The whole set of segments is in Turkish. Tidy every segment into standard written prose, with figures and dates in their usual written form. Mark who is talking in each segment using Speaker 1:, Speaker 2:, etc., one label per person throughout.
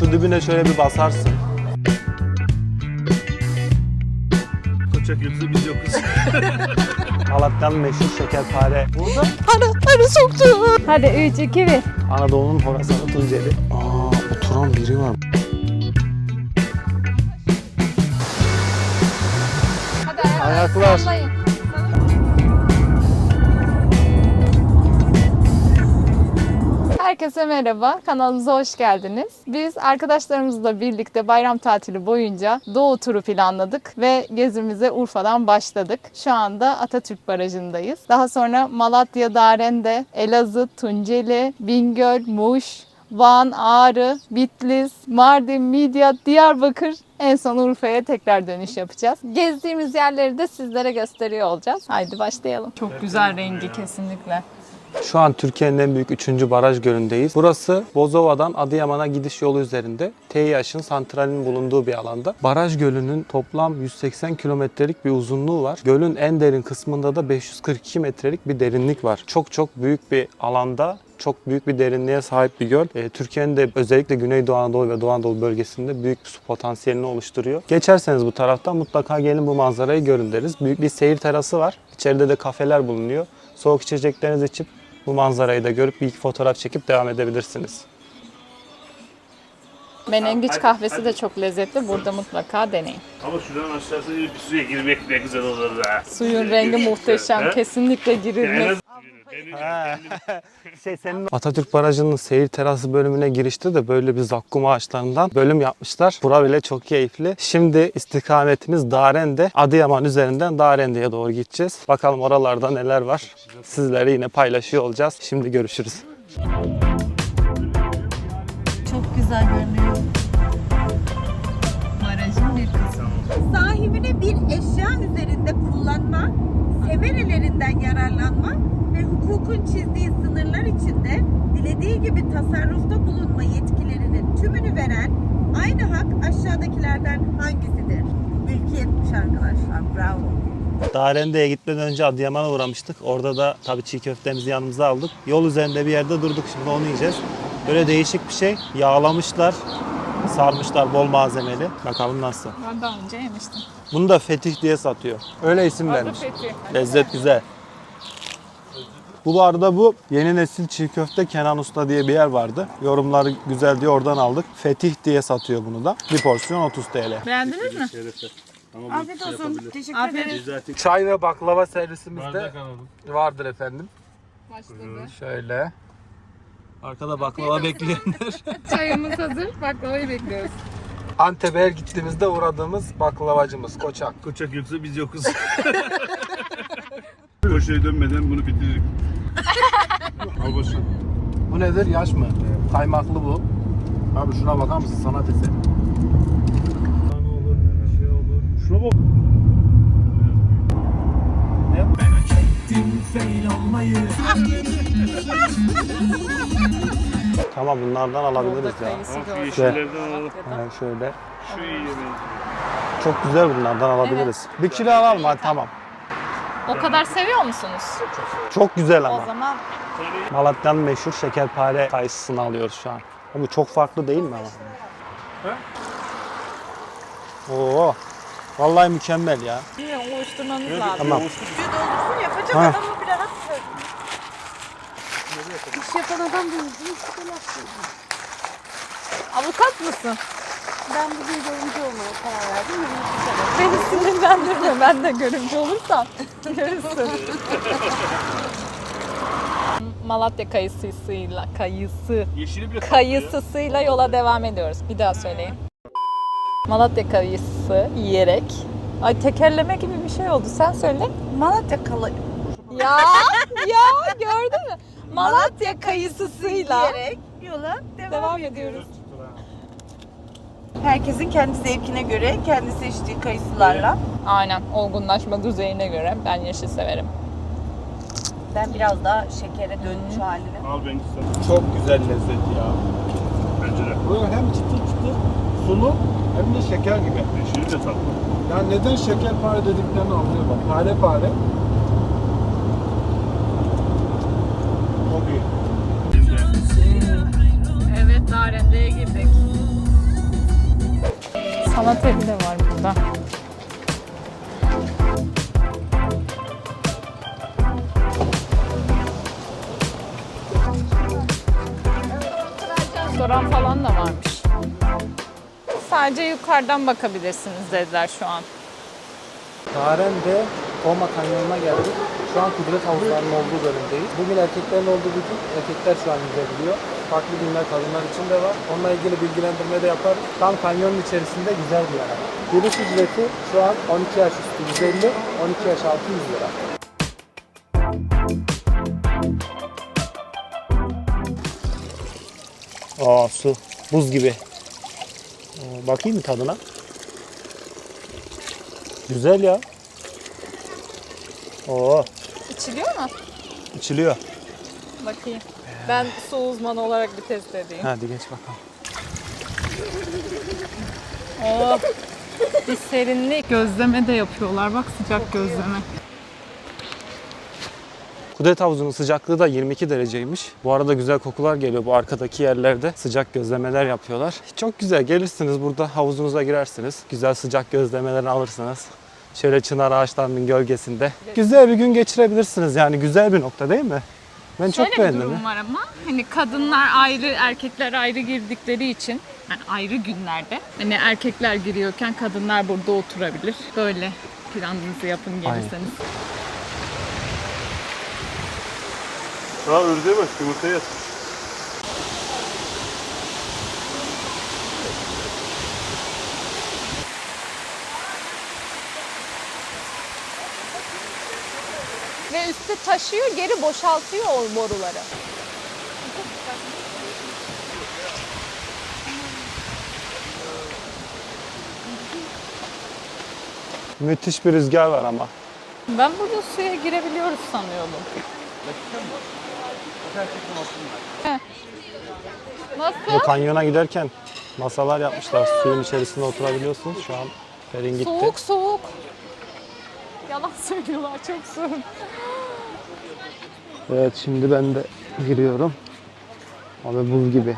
Speaker 1: Şu dibine şöyle bir basarsın.
Speaker 2: Koçak yoksa biz yokuz.
Speaker 1: Malatya'nın meşhur şekerpare. Burada
Speaker 3: Arı soktu. Hadi 3, 2, 1.
Speaker 1: Anadolu'nun Horasan'ı Tunceli. Oturan biri var.
Speaker 3: Hadi
Speaker 1: Ayaklar.
Speaker 3: sallayın. Herkese merhaba, kanalımıza hoş geldiniz. Biz arkadaşlarımızla birlikte bayram tatili boyunca Doğu turu planladık ve gezimize Urfa'dan başladık. Şu anda Atatürk Barajı'ndayız. Daha sonra Malatya, Darende, Elazığ, Tunceli, Bingöl, Muş, Van, Ağrı, Bitlis, Mardin, Midyat, Diyarbakır, en son Urfa'ya tekrar dönüş yapacağız. Gezdiğimiz yerleri de sizlere gösteriyor olacağız. Haydi başlayalım. Çok güzel rengi kesinlikle.
Speaker 1: Şu an Türkiye'nin en büyük 3. baraj gölündeyiz. Burası Bozova'dan Adıyaman'a gidiş yolu üzerinde TİH'in santralinin bulunduğu bir alanda. Baraj gölünün toplam 180 kilometrelik bir uzunluğu var. Gölün en derin kısmında da 542 metrelik bir derinlik var. Çok büyük bir alanda, çok büyük bir derinliğe sahip bir göl. Türkiye'nin de özellikle Güneydoğu Anadolu ve Doğu Anadolu bölgesinde büyük bir su potansiyelini oluşturuyor. Geçerseniz bu taraftan mutlaka gelin bu manzarayı görün deriz. Büyük bir seyir terası var. İçeride de kafeler bulunuyor. Soğuk içeceklerinizi içip bu manzarayı da görüp bir iki fotoğraf çekip devam edebilirsiniz.
Speaker 3: Menengiç kahvesi de çok lezzetli. Burada mutlaka deneyin.
Speaker 2: Ama şuradan aşağısı bir suya girmek ne güzel olur da.
Speaker 3: Suyun rengi muhteşem. Kesinlikle girilmez.
Speaker 1: Atatürk Barajı'nın seyir terası bölümüne girişte de böyle bir zakkum ağaçlarından bölüm yapmışlar. Bura bile çok keyifli. Şimdi istikametimiz Darende. Adıyaman üzerinden Darende'ye doğru gideceğiz. Bakalım oralarda neler var. Sizlere yine paylaşıyor olacağız. Şimdi görüşürüz.
Speaker 3: Çok güzel görünüyor. Barajın bir kısmı.
Speaker 4: Sahibine bir eşya üzerinde kullanma, semerelerinden yararlanma ve hukukun çizdiği sınırlar içinde dilediği gibi tasarrufta bulunma yetkilerinin tümünü veren aynı hak aşağıdakilerden hangisidir? Mülkiyetmiş arkadaşlar, bravo.
Speaker 1: Darende'ye gitmeden önce Adıyaman'a uğramıştık. Orada da tabii çiğ köftemizi yanımıza aldık. Yol üzerinde bir yerde durduk. Şimdi onu yiyeceğiz. Böyle değişik bir şey. Yağlamışlar, sarmışlar bol malzemeli. Bakalım nasıl.
Speaker 3: Ben daha önce yemiştim.
Speaker 1: Bunu da Fetih diye satıyor. Öyle isim vermiş. Lezzet güzel. Bu arada bu yeni nesil çiğ köfte Kenan Usta diye bir yer vardı. Yorumları güzel diye oradan aldık. Fetih diye satıyor bunu da. Bir porsiyon 30 TL.
Speaker 3: Beğendiniz mi?
Speaker 4: Afiyet olsun, teşekkür ederim.
Speaker 1: Çay ve baklava servisimizde vardır efendim.
Speaker 3: Başladı.
Speaker 1: Şöyle. Arkada baklava bekleyenler.
Speaker 3: Çayımız hazır. Baklavayı bekliyoruz.
Speaker 1: Antep'e her gittiğimizde uğradığımız baklavacımız Koçak.
Speaker 2: Koçak yoksa biz yokuz. Koşuya dönmeden bunu bitiririm. Al boşuna.
Speaker 1: Bu nedir? Yaş mı? Kaymaklı bu. Abi şuna bakar mısın? Sanat eseri. Ne olur, bir şey olur.
Speaker 2: Şuna bak.
Speaker 1: Tamam bunlardan alabiliriz ya.
Speaker 2: Şu yeşillerden alalım.
Speaker 1: Şöyle.
Speaker 2: Şu iyi yemeği.
Speaker 1: Çok güzel bunlardan alabiliriz. Bir kilo alalım hadi tamam.
Speaker 3: O kadar seviyor musunuz?
Speaker 1: Çok güzel
Speaker 3: O
Speaker 1: ama.
Speaker 3: zaman
Speaker 1: Malatya'nın meşhur şekerpare kayısısını alıyoruz şu an. Bu çok farklı değil mi ama? Oo. Vallahi mükemmel ya.
Speaker 3: bilmiyorum, oluşturmanız lazım.
Speaker 1: Tamam.
Speaker 4: Yapacak
Speaker 1: Ha.
Speaker 4: adamı bir rahat bırak. İş yapan adam değil,
Speaker 3: Avukat mısın?
Speaker 4: Ben bugün görümcü olmaya karar verdim.
Speaker 3: Beni sinirlendirme. Ben de görümcü olursam görürsün. Malatya
Speaker 2: Yeşili bile
Speaker 3: kayısısıyla yola devam ediyoruz. Bir daha söyleyeyim. Malatya kayısı yiyerek. Ay tekerleme gibi bir şey oldu. Sen söyle.
Speaker 4: Malatya kalı
Speaker 3: Ya gördün mü? Malatya kayısısıyla
Speaker 4: yiyerek yola
Speaker 3: devam ediyoruz.
Speaker 4: Herkesin kendi zevkine göre, kendi seçtiği kayısılarla.
Speaker 3: Aynen. Olgunlaşma düzeyine göre ben yeşil severim.
Speaker 4: Ben biraz daha şekere dönmüş haline.
Speaker 2: Al benimki sen.
Speaker 1: Çok güzel lezzet ya.
Speaker 2: Bence de.
Speaker 1: Bu hem çıtır çıtır sulu hem de şeker gibi.
Speaker 2: Yeşili de tatlı.
Speaker 1: Yani neden şekerpare dediklerini anlıyor bak. Pare. Çok iyi.
Speaker 3: Evet, Darende'ye girdik. Sanat evi de var burada. Restoran falan da varmış. Sadece yukarıdan bakabilirsiniz dediler şu an.
Speaker 1: Daren'de Toma Kanyonu'na geldik. Şu an kudret havuzlarının olduğu bölümdeyiz. Bugün erkeklerin olduğu bir gün. Erkekler şu an yüzebiliyor. Farklı günler kadınlar için de var. Onunla ilgili bilgilendirme de yaparız. Tam kanyonun içerisinde güzel bir yer. Giriş ücreti şu an 12 yaş üstü 150, 12 yaş altı 100 lira. Aa, su. Buz gibi. Bakayım mı tadına? Güzel ya. Oo,
Speaker 3: İçiliyor mu?
Speaker 1: içiliyor.
Speaker 3: Bakayım. Ben su uzmanı olarak bir test edeyim.
Speaker 1: Hadi geç bakalım.
Speaker 3: Oh, bir serinlik. Gözleme de yapıyorlar. Bak, sıcak gözleme.
Speaker 1: Kudret havuzunun sıcaklığı da 22 dereceymiş. Bu arada güzel kokular geliyor bu arkadaki yerlerde. Sıcak gözlemeler yapıyorlar. Çok güzel, gelirsiniz burada havuzunuza girersiniz. Güzel sıcak gözlemelerini alırsınız. Şöyle çınar ağaçlarının gölgesinde. Güzel bir gün geçirebilirsiniz yani, güzel bir nokta değil mi? Ben çok
Speaker 3: Şöyle bir
Speaker 1: beğendim.
Speaker 3: durum var ama hani kadınlar ayrı, erkekler ayrı girdikleri için yani ayrı günlerde hani erkekler giriyorken kadınlar burada oturabilir. Böyle planınızı yapın gelirseniz.
Speaker 2: Ha ördeğe bak, yumurtaya yat.
Speaker 3: Ve üstü taşıyor, geri boşaltıyor o boruları.
Speaker 1: Müthiş bir rüzgar var ama.
Speaker 3: Ben burada suya girebiliyoruz sanıyordum. Heh.
Speaker 1: Bu
Speaker 3: Nasıl?
Speaker 1: kanyona giderken masalar yapmışlar. Suyun içerisinde oturabiliyorsunuz. Şu an Pelin gitti.
Speaker 3: Soğuk soğuk. Yalan söylüyorlar, çok soğuk.
Speaker 1: Evet, şimdi ben de giriyorum. Abi buz gibi.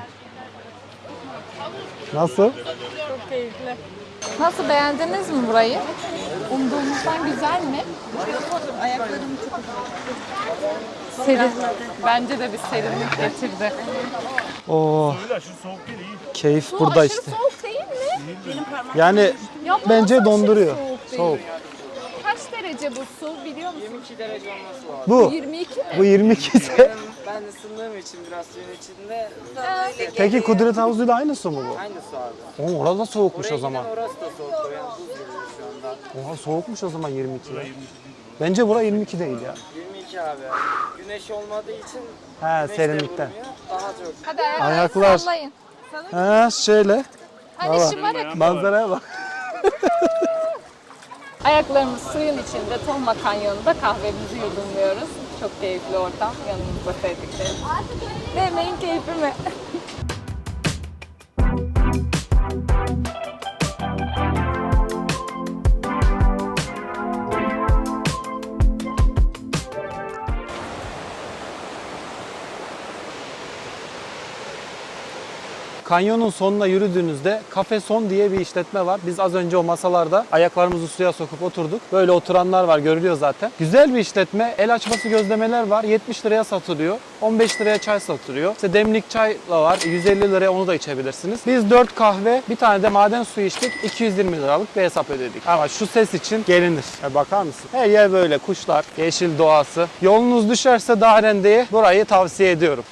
Speaker 1: Nasıl?
Speaker 3: Çok keyifli. Nasıl, beğendiniz mi burayı? Umduğumuzdan güzel mi?
Speaker 4: Ayaklarım çok
Speaker 3: Serin. Bence de bir serinlik getirdi.
Speaker 1: Oo,
Speaker 2: Öyle aşırı soğuk değil, iyi.
Speaker 1: keyif
Speaker 3: Su
Speaker 1: burada
Speaker 3: aşırı
Speaker 1: işte.
Speaker 3: soğuk değil mi?
Speaker 1: Yani
Speaker 3: Ya
Speaker 1: bence
Speaker 3: aşırı
Speaker 1: donduruyor.
Speaker 3: soğuk değil.
Speaker 1: Soğuk.
Speaker 3: Kaç derece bu su biliyor musun?
Speaker 5: 22 derece olması lazım.
Speaker 1: Bu
Speaker 3: 22 mi?
Speaker 1: bu 22 ise.
Speaker 5: Ben ısındığım için biraz suyun içinde
Speaker 1: Peki Kudret havuzuyla aynı su mu bu?
Speaker 5: aynı su abi.
Speaker 1: Oğlum orada soğukmuş
Speaker 5: Oraya
Speaker 1: o zaman.
Speaker 5: giden orası da soğuk. Yani buz gibi şu anda.
Speaker 1: Oha, soğukmuş o zaman 22 ya. Bence bura 22 değil ya.
Speaker 5: 22 abi. Güneş olmadığı için
Speaker 1: He,
Speaker 5: güneş de
Speaker 1: serinlikten.
Speaker 5: vurmuyor. Daha çok.
Speaker 3: Hadi
Speaker 1: Ayaklar.
Speaker 3: sallayın.
Speaker 1: He, şöyle.
Speaker 3: Hani
Speaker 1: Baba.
Speaker 3: şımarık.
Speaker 1: Manzaraya bak.
Speaker 3: Ayaklarımız suyun içinde Toma Kanyonu'nda kahvemizi yudumluyoruz. Çok keyifli ortam. Yanımızda sevdiklerimiz. Demeyin keyfi mi?
Speaker 1: Kanyonun sonuna yürüdüğünüzde Cafe Son diye bir işletme var. Biz az önce o masalarda ayaklarımızı suya sokup oturduk. Böyle oturanlar var, görülüyor zaten. Güzel bir işletme. El açması gözlemeler var. 70 liraya satılıyor. 15 liraya çay satılıyor. İşte demlik çay da var. 150 liraya onu da içebilirsiniz. Biz 4 kahve, bir tane de maden suyu içtik. 220 liralık bir hesap ödedik. Ama şu ses için gelinir. Bakar mısın? Her yer böyle, kuşlar, yeşil doğası. Yolunuz düşerse Daren'de burayı tavsiye ediyorum.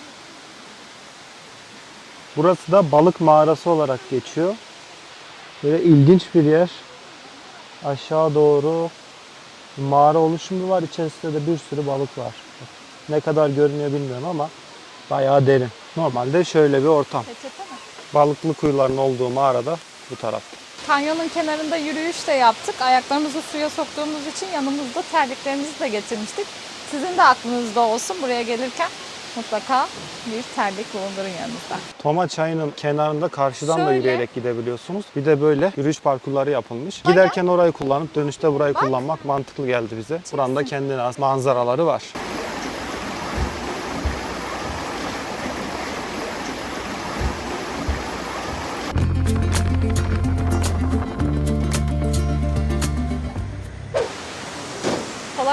Speaker 1: Burası da balık mağarası olarak geçiyor. Böyle ilginç bir yer. Aşağı doğru mağara oluşumu var. İçerisinde de bir sürü balık var. Ne kadar görünüyor bilmiyorum ama bayağı derin. Normalde şöyle bir ortam.
Speaker 3: Peçete mi?
Speaker 1: Balıklı kuyuların olduğu mağarada bu tarafta.
Speaker 3: Kanyonun kenarında yürüyüş de yaptık. Ayaklarımızı suya soktuğumuz için yanımızda terliklerimizi de getirmiştik. Sizin de aklınızda olsun, buraya gelirken mutlaka bir terlik bulundurun yanınızda.
Speaker 1: Toma çayının kenarında karşıdan da
Speaker 3: Şöyle.
Speaker 1: yürüyerek gidebiliyorsunuz. Bir de böyle yürüyüş parkurları yapılmış. Giderken orayı kullanıp dönüşte burayı kullanmak mantıklı geldi bize. Buranın da kendine has manzaraları var.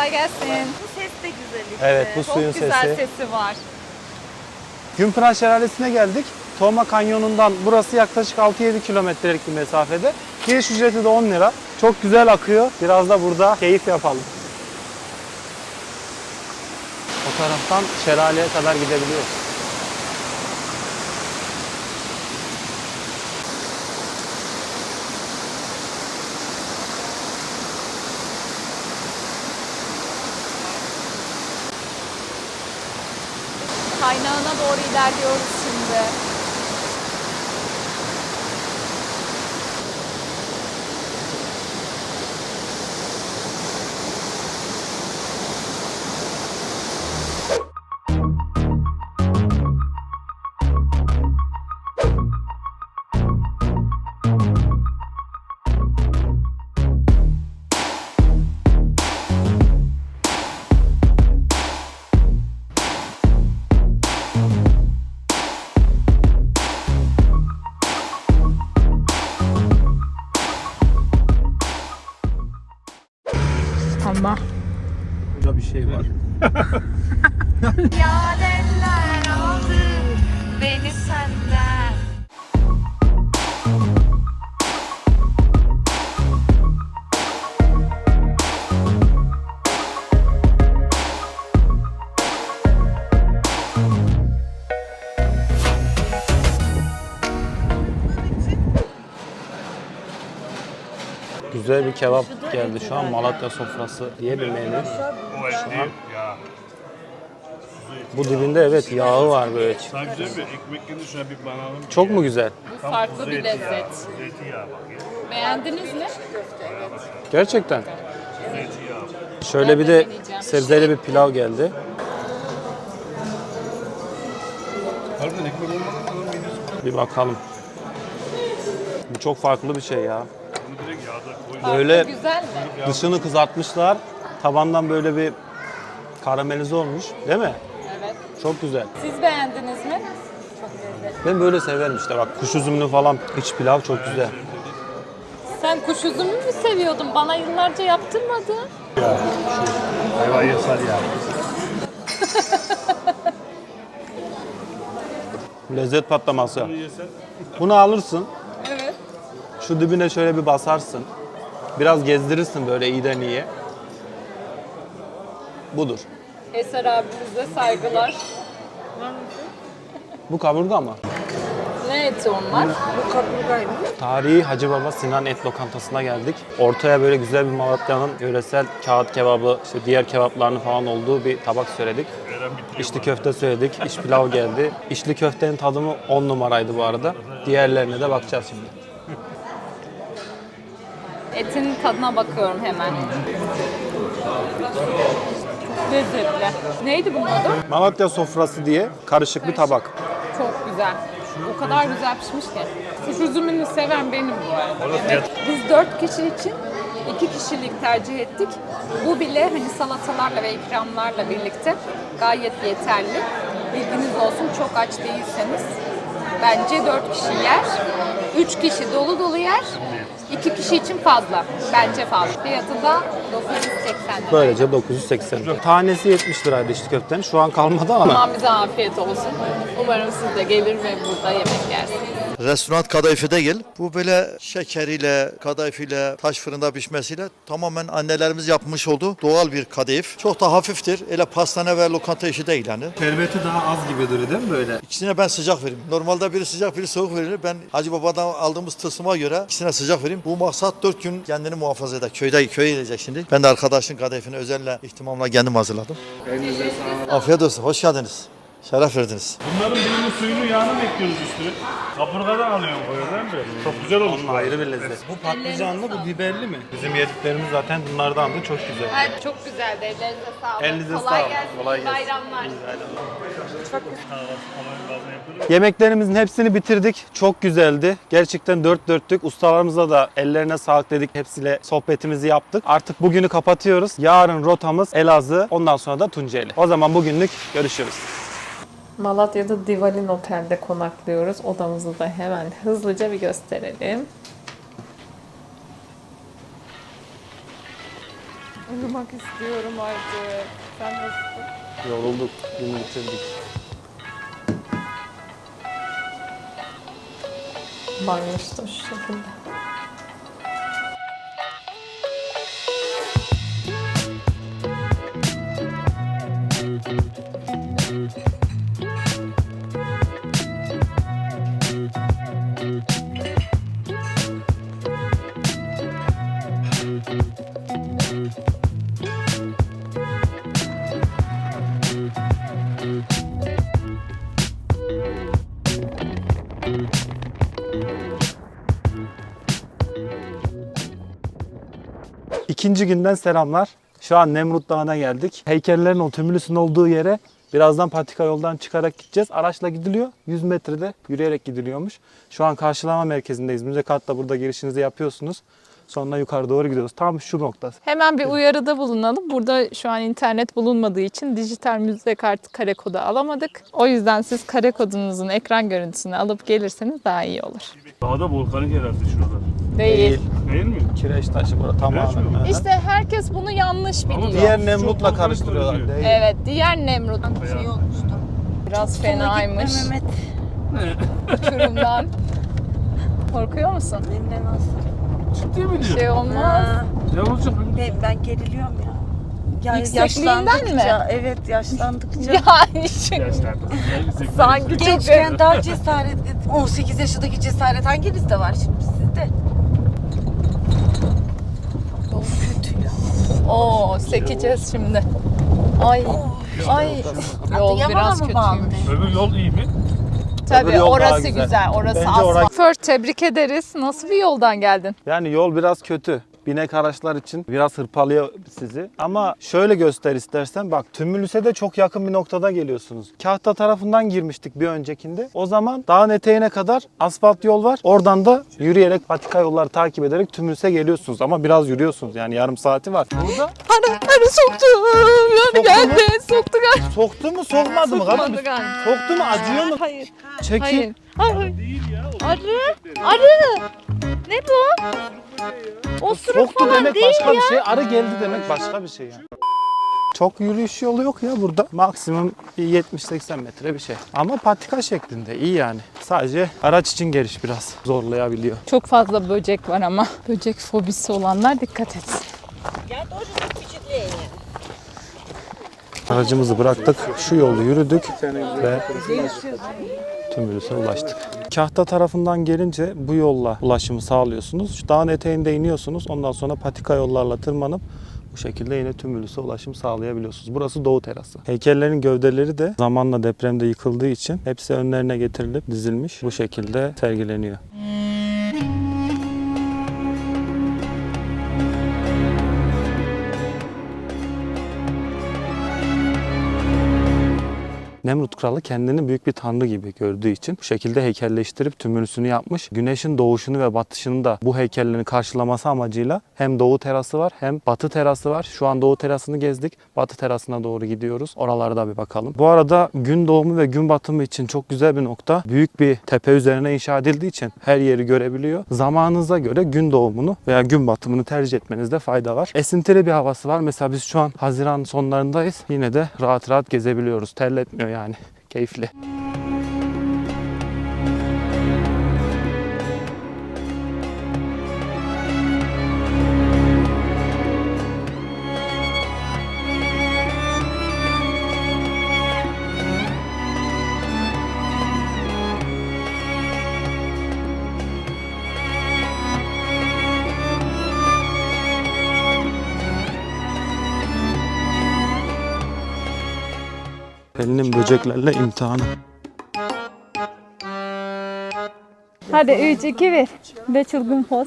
Speaker 3: Kolay gelsin.
Speaker 4: Bu ses de güzel işte.
Speaker 1: Evet, bu suyun
Speaker 3: Çok güzel
Speaker 1: sesi.
Speaker 3: sesi var.
Speaker 1: Gümпınar Şelalesi'ne geldik. Toma Kanyonu'ndan burası yaklaşık 6-7 kilometrelik bir mesafede. Giriş ücreti de 10 lira. Çok güzel akıyor. Biraz da burada keyif yapalım. O taraftan şelaleye kadar gidebiliyoruz.
Speaker 3: Kaynağına doğru ilerliyoruz şimdi. Ama
Speaker 1: Burada bir şey var.
Speaker 3: yarenler aldı beni senden.
Speaker 1: Güzel bir kebap geldi şu an. Malatya sofrası diye bir menü.
Speaker 2: O et değil ya.
Speaker 1: Bu dibinde evet yağı var böyle.
Speaker 2: Sana güzel bir ekmek geldi şuna bir banalım.
Speaker 1: Çok mu güzel?
Speaker 3: Bu farklı bir lezzet.
Speaker 2: Zeytinyağı bak ya.
Speaker 3: Beğendiniz mi?
Speaker 1: Gerçekten.
Speaker 2: Zeytinyağı.
Speaker 1: Şöyle bir de sebzeli bir pilav geldi.
Speaker 2: Harbiden ekmek olmadan adam midesi.
Speaker 1: Bir bakalım. Bu çok farklı bir şey ya.
Speaker 2: Bunu direkt yağda koy.
Speaker 1: Böyle
Speaker 3: Güzel mi?
Speaker 1: dışını kızartmışlar. Tabandan böyle bir karamelize olmuş. Değil mi?
Speaker 3: Evet.
Speaker 1: Çok güzel.
Speaker 3: Siz beğendiniz mi? Çok lezzetli.
Speaker 1: Ben böyle severim işte bak kuş üzümlü falan iç pilav çok güzel.
Speaker 3: Sen kuş üzümü mü seviyordun? Bana yıllarca yaptırmadın.
Speaker 2: Hayvan yasal ya.
Speaker 1: Lezzet patlaması.
Speaker 2: Bunu yesen
Speaker 1: Bunu alırsın.
Speaker 3: Evet.
Speaker 1: Şu dibine şöyle bir basarsın. Biraz gezdirirsin böyle iyiden iyiye. Budur.
Speaker 3: Eser abimize saygılar.
Speaker 1: Bu kaburga mı?
Speaker 3: Ne eti onlar?
Speaker 1: Tarihi Hacı Baba Sinan Et Lokantası'na geldik. Ortaya böyle güzel bir Malatya'nın yöresel kağıt kebabı, işte diğer kebaplarının falan olduğu bir tabak söyledik.
Speaker 2: veren bitiriyor.
Speaker 1: İçli köfte söyledik, iç pilav geldi. İçli köftenin tadımı 10 numaraydı bu arada. Diğerlerine de bakacağız şimdi.
Speaker 3: Etin tadına bakıyorum hemen. Lezzetli. Neydi bunun adı?
Speaker 1: Malatya sofrası diye karışık bir tabak.
Speaker 3: Çok güzel. O kadar güzel pişmiş ki. Kuş üzümünü seven benim bu arada. Evet. Biz 4 kişi için 2 kişilik tercih ettik. Bu bile hani salatalarla ve ikramlarla birlikte gayet yeterli. Bilginiz olsun, çok aç değilseniz bence 4 kişi yer. 3 kişi dolu dolu yer. 2 kişi için fazla. Bence fazla. Fiyatı da 980 lira.
Speaker 1: Böylece 980. Tanesi 70 liraydı içli köftenin. Şu an kalmadı ama.
Speaker 3: Aman bize afiyet olsun. Umarım siz de gelir ve burada yemek yersiniz.
Speaker 6: Restoran kadayıfı değil. Bu böyle şekeriyle, kadayıfıyla, taş fırında pişmesiyle tamamen annelerimiz yapmış olduğu doğal bir kadayıf. Çok da hafiftir. Öyle pastane ve lokanta işi değil yani.
Speaker 1: Şerbeti daha az gibi duruyor değil mi böyle?
Speaker 6: İkisine ben sıcak veririm. Normalde biri sıcak biri soğuk verilir. Ben Hacı Baba'dan aldığımız tılsıma göre ikisine sıcak vereyim. Bu maksat 4 gün kendini muhafaza eder. Köye gidecek şimdi. Ben de arkadaşın kadayıfını özelle ihtimamla kendim hazırladım. Afiyet olsun. Hoş geldiniz. Şeref verdiniz.
Speaker 2: Bunların birinin suyunu yağını mı ekliyoruz üstüne? Kaburgadan alıyorum koyuyor değil mi? Çok güzel olmuş.
Speaker 1: Onun ayrı bir lezzet. Bu patlıcanlı, bu biberli mi? Bizim yediklerimiz zaten bunlardan da çok güzel.
Speaker 3: Evet, çok güzeldi. Ellerinize sağlık.
Speaker 1: Elinize
Speaker 3: Kolay
Speaker 1: sağlık.
Speaker 3: gelsin.
Speaker 1: Kolay gelsin.
Speaker 3: Bayramlar.
Speaker 1: Yemeklerimizin hepsini bitirdik. Çok güzeldi. Gerçekten dört dörtlük. Ustalarımıza da ellerine sağlık dedik. Hepsiyle sohbetimizi yaptık. Artık bugünü kapatıyoruz. Yarın rotamız Elazığ. Ondan sonra da Tunceli. O zaman bugünlük görüşürüz.
Speaker 3: Malatya'da Divalin Otel'de konaklıyoruz. Odamızı da hemen hızlıca bir gösterelim. Uyumak istiyorum artık. Sen nasılsın?
Speaker 1: Yorulduk, günü bitirdik.
Speaker 3: Banyosu da şu şekilde.
Speaker 1: İkinci günden selamlar. Şu an Nemrut Dağı'na geldik. Heykellerin o tümülüsün olduğu yere birazdan patika yoldan çıkarak gideceğiz. Araçla gidiliyor. 100 metrede yürüyerek gidiliyormuş. Şu an karşılama merkezindeyiz. Müze kartla burada girişinizi yapıyorsunuz. Sonra yukarı doğru gidiyoruz. Tam şu noktası.
Speaker 3: Hemen bir uyarıda bulunalım. Burada şu an internet bulunmadığı için dijital müze kartı kare kodu alamadık. O yüzden siz kare kodunuzun ekran görüntüsünü alıp gelirseniz daha iyi olur.
Speaker 2: Dağda volkanik herhalde şuralar.
Speaker 3: Değil.
Speaker 2: Değil mi?
Speaker 1: Kireç taşı burada tamamen.
Speaker 2: mi?
Speaker 3: İşte herkes bunu yanlış biliyor.
Speaker 1: Diğer
Speaker 2: Çok
Speaker 1: Nemrut'la
Speaker 2: volkanik
Speaker 1: karıştırıyorlar.
Speaker 2: görünüyor.
Speaker 1: Değil.
Speaker 3: Evet, diğer Nemrut
Speaker 4: Şey olmuştu.
Speaker 3: biraz fenaymış.
Speaker 4: Mehmet.
Speaker 3: Uçurumdan. Korkuyor musun?
Speaker 4: Hem de nasıl?
Speaker 2: Ciddi mi
Speaker 3: Bir
Speaker 2: diyor?
Speaker 3: şey olmaz.
Speaker 4: Ha,
Speaker 2: Ne olacak?
Speaker 4: ben geriliyorum ya.
Speaker 3: Yüksekliğinden
Speaker 4: yaşlandıkça, evet yaşlandıkça.
Speaker 3: Yani şimdi
Speaker 2: Yaşlarda.
Speaker 3: sanki çok
Speaker 4: Gençken daha cesaret, 18 yaşındaki cesaret hanginizde var şimdi sizde? Yol kötü ya.
Speaker 3: Oo, sekeceğiz şimdi. Ay, ay. Yol
Speaker 4: Adıyaman'a
Speaker 3: biraz
Speaker 4: mı bağlı?
Speaker 3: kötüymüş.
Speaker 2: Öbür yol iyi mi?
Speaker 1: Öbür
Speaker 3: Tabii
Speaker 1: yol daha
Speaker 3: orası
Speaker 1: güzel.
Speaker 3: güzel, orası
Speaker 1: Bence
Speaker 3: asfalt.
Speaker 1: orası-
Speaker 3: Fır, tebrik ederiz. Nasıl bir yoldan geldin?
Speaker 1: Yani yol biraz kötü. Binek araçlar için biraz hırpalıyor sizi. Ama şöyle göster istersen bak Tümülüs'e de çok yakın bir noktada geliyorsunuz. Kahta tarafından girmiştik bir öncekinde. O zaman dağın eteğine kadar asfalt yol var. Oradan da yürüyerek patika yolları takip ederek Tümülüs'e geliyorsunuz. Ama biraz yürüyorsunuz yani yarım saati var. Burada
Speaker 3: Arı soktu. Yani geldi. Soktu galiba.
Speaker 1: soktu mu sokmadı mı?
Speaker 3: Sokmadı
Speaker 1: Kadın?
Speaker 3: galiba.
Speaker 1: Soktu mu acıyor mu?
Speaker 3: Hayır.
Speaker 1: Çekil.
Speaker 3: Hayır. Hayır.
Speaker 2: Değil ya. o
Speaker 3: Arı. Arı. Ne bu? Osuruk
Speaker 1: Soktu
Speaker 3: falan
Speaker 1: demek
Speaker 3: değil
Speaker 1: başka
Speaker 3: ya.
Speaker 1: bir şey. Arı geldi demek başka bir şey yani. Çok yürüyüş yolu yok ya burada. Maksimum bir 70-80 metre bir şey. Ama patika şeklinde iyi yani. Sadece araç için geliş biraz zorlayabiliyor.
Speaker 3: Çok fazla böcek var ama. Böcek fobisi olanlar dikkat etsin.
Speaker 1: Aracımızı bıraktık. Şu yolu yürüdük ve Tümülüs'e ulaştık. Kahta tarafından gelince bu yolla ulaşımı sağlıyorsunuz. Şu dağın eteğinde iniyorsunuz. Ondan sonra patika yollarla tırmanıp bu şekilde yine Tümülüs'e ulaşım sağlayabiliyorsunuz. Burası Doğu Terası. Heykellerin gövdeleri de zamanla depremde yıkıldığı için hepsi önlerine getirilip dizilmiş. Bu şekilde sergileniyor. Nemrut Kralı kendini büyük bir tanrı gibi gördüğü için bu şekilde heykelleştirip tümülüsünü yapmış. Güneşin doğuşunu ve batışını da bu heykellerin karşılaması amacıyla hem doğu terası var hem batı terası var. Şu an doğu terasını gezdik. Batı terasına doğru gidiyoruz. Oralarda bir bakalım. Bu arada gün doğumu ve gün batımı için çok güzel bir nokta. Büyük bir tepe üzerine inşa edildiği için her yeri görebiliyor. Zamanınıza göre gün doğumunu veya gün batımını tercih etmenizde fayda var. Esintili bir havası var. Mesela biz şu an Haziran sonlarındayız. Yine de rahat rahat gezebiliyoruz. Terletmiyor yani. Keyifli. Pelin'in böceklerle imtihanı.
Speaker 3: Hadi 3, 2, 1. Ve çılgın poz.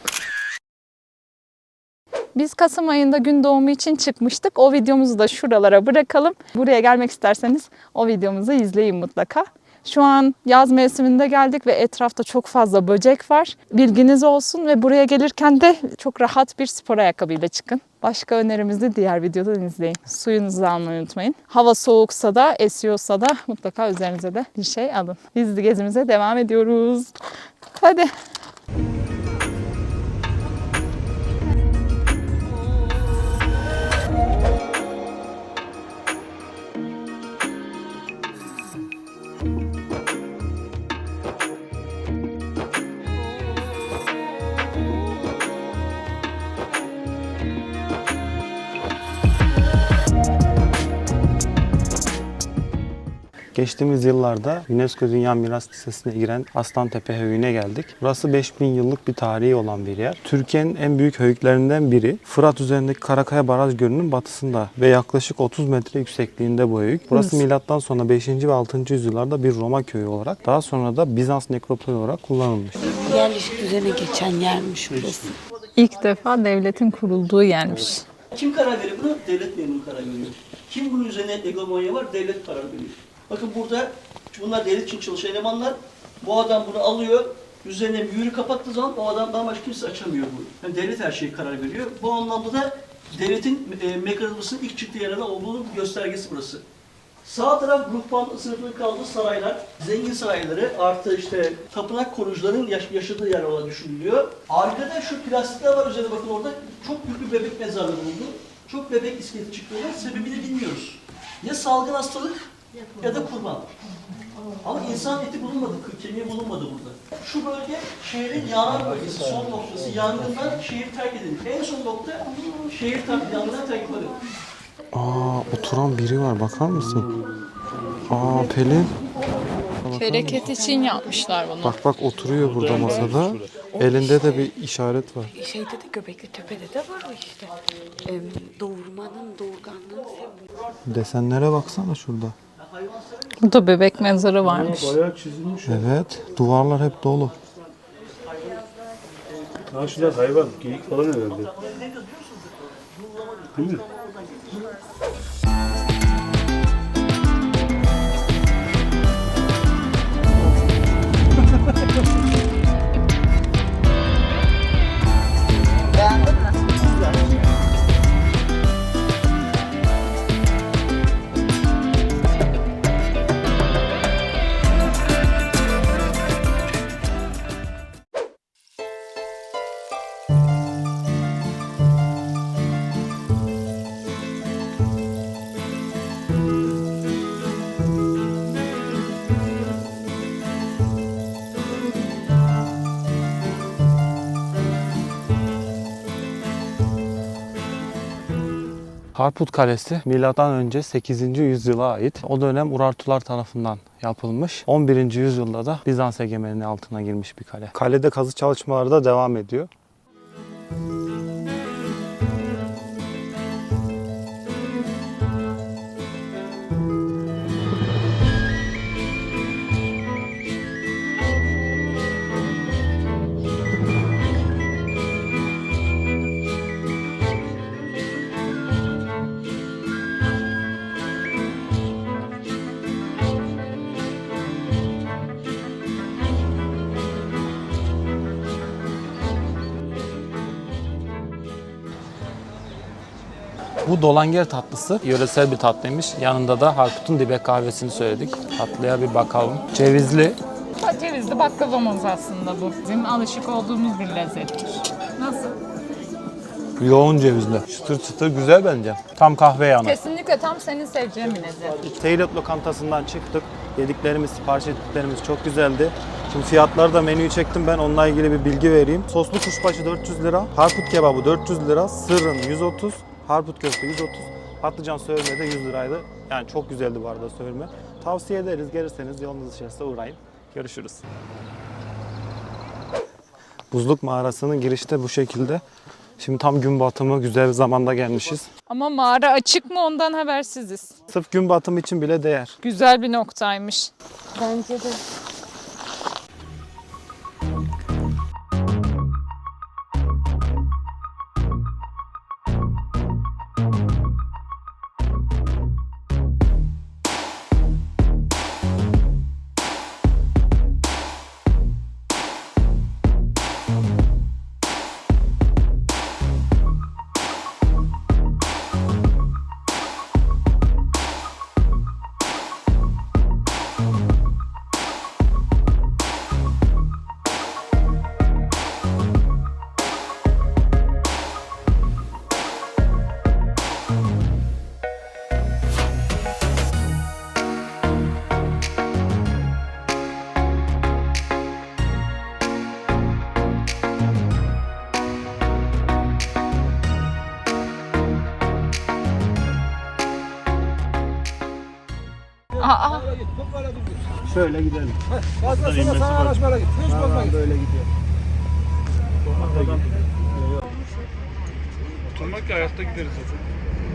Speaker 3: Biz Kasım ayında gün doğumu için çıkmıştık. O videomuzu da şuralara bırakalım. Buraya gelmek isterseniz o videomuzu izleyin mutlaka. Şu an yaz mevsiminde geldik ve etrafta çok fazla böcek var. Bilginiz olsun ve buraya gelirken de çok rahat bir spor ayakkabıyla çıkın. Başka önerimizi diğer videodan izleyin. Suyunuzu almayı unutmayın. Hava soğuksa da, esiyorsa da mutlaka üzerinize de bir şey alın. Biz de gezimize devam ediyoruz. Hadi.
Speaker 1: Geçtiğimiz yıllarda UNESCO Dünya Miras Listesi'ne giren Aslantepe Höyü'ne geldik. Burası 5000 yıllık bir tarihi olan bir yer. Türkiye'nin en büyük höyüklerinden biri. Fırat üzerindeki Karakaya Baraj Gölü'nün batısında ve yaklaşık 30 metre yüksekliğinde bu höyük. Burası milattan sonra 5. ve 6. yüzyıllarda bir Roma köyü olarak, daha sonra da Bizans nekropolü olarak kullanılmış.
Speaker 7: Yerleşik düzene geçen yermiş burası.
Speaker 3: İlk defa devletin kurulduğu yermiş.
Speaker 8: Kim karar veriyor bunu? Devlet memuru karar veriyor. Kim bunun üzerine hegemonya var? Devlet karar veriyor. Bakın burada bunlar devlet için çalışan elemanlar. Bu adam bunu alıyor. Üzerine mühürü kapattığı zaman o adamdan başka kimse açamıyor bunu. Yani devlet her şeye karar veriyor. Bu anlamda da devletin mekanizmasının ilk çıktığı yerlerden olduğunu göstergesi burası. Sağ taraf ruhban sınıfının kaldığı saraylar, zengin sarayları artı işte tapınak korucuların yaşadığı yer olarak düşünülüyor. Arkada şu plastikler var üzerinde bakın orada çok büyük bir bebek mezarlığı bulundu. Çok bebek iskeleti çıktığında sebebini bilmiyoruz. Ya salgın hastalık ya da kurban. Ama insan eti bulunmadı, kemiği bulunmadı burada. Şu bölge şehrin yanan bölgesi, son noktası. Yangından şehir terk edildi. En son nokta şehir yangından terk edildi.
Speaker 1: Aa, oturan biri var, bakar mısın? Aa, Pelin.
Speaker 3: Bereket için yapmışlar bunu.
Speaker 1: Bak bak, oturuyor burada masada. Elinde de bir işaret var.
Speaker 7: Şeyde de Göbekli Tepe'de de var o işte. Doğurmanın, doğurganlığın sembolü.
Speaker 1: Desenlere baksana şurada.
Speaker 3: Burada bebek mezarı varmış.
Speaker 2: Bayağı çizilmiş.
Speaker 1: Evet, duvarlar hep dolu.
Speaker 2: Ha şurada hayvan, geyik falan herhalde. Değil mi?
Speaker 1: Harput Kalesi M.Ö. 8. yüzyıla ait. O dönem Urartular tarafından yapılmış. 11. yüzyılda da Bizans egemenliği altına girmiş bir kale. Kalede kazı çalışmaları da devam ediyor. Bu dolanger tatlısı yöresel bir tatlıymış. Yanında da Harput'un dibek kahvesini söyledik. Tatlıya bir bakalım. Cevizli.
Speaker 3: Cevizli baklavamız aslında bu. Bizim alışık olduğumuz bir lezzettir. Nasıl?
Speaker 1: Yoğun cevizli. Çıtır çıtır, güzel bence. Tam kahve yanı.
Speaker 3: Kesinlikle tam senin seveceğin bir lezzet.
Speaker 1: Teyrat lokantasından çıktık. Yediklerimiz, sipariş ettiklerimiz çok güzeldi. Şimdi fiyatları da menüyü çektim, ben onunla ilgili bir bilgi vereyim. Soslu kuşbaşı 400 lira, harput kebabı 400 lira, sırrın 130, harput köfte 130, patlıcan söğürme de 100 liraydı. Yani çok güzeldi bu arada söğürme. Tavsiye ederiz, gelirseniz yolunuz düşerse uğrayın. Görüşürüz. Buzluk mağarasının girişte bu şekilde. Şimdi tam gün batımı, güzel bir zamanda gelmişiz.
Speaker 3: Ama mağara açık mı ondan habersiziz.
Speaker 1: Sırf gün batımı için bile değer.
Speaker 3: Güzel bir noktaymış.
Speaker 7: Bence de.
Speaker 2: Şöyle gidelim.
Speaker 9: Fazla sonra sana araçlara git. Hiç bozma git. Böyle gidiyor.
Speaker 2: Oturmak ki ayakta gideriz zaten.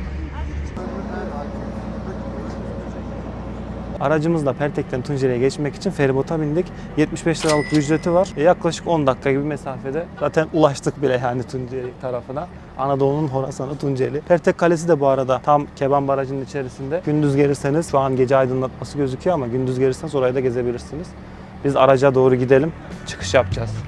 Speaker 1: Aracımızla Pertek'ten Tunceli'ye geçmek için feribota bindik. 75 liralık bir ücreti var. Yaklaşık 10 dakika gibi mesafede. Zaten ulaştık bile yani Tunceli tarafına. Anadolu'nun Horasan'ı Tunceli. Pertek Kalesi de bu arada tam Keban Barajı'nın içerisinde. Gündüz gelirseniz, şu an gece aydınlatması gözüküyor ama gündüz gelirseniz orayı da gezebilirsiniz. Biz araca doğru gidelim. Çıkış yapacağız.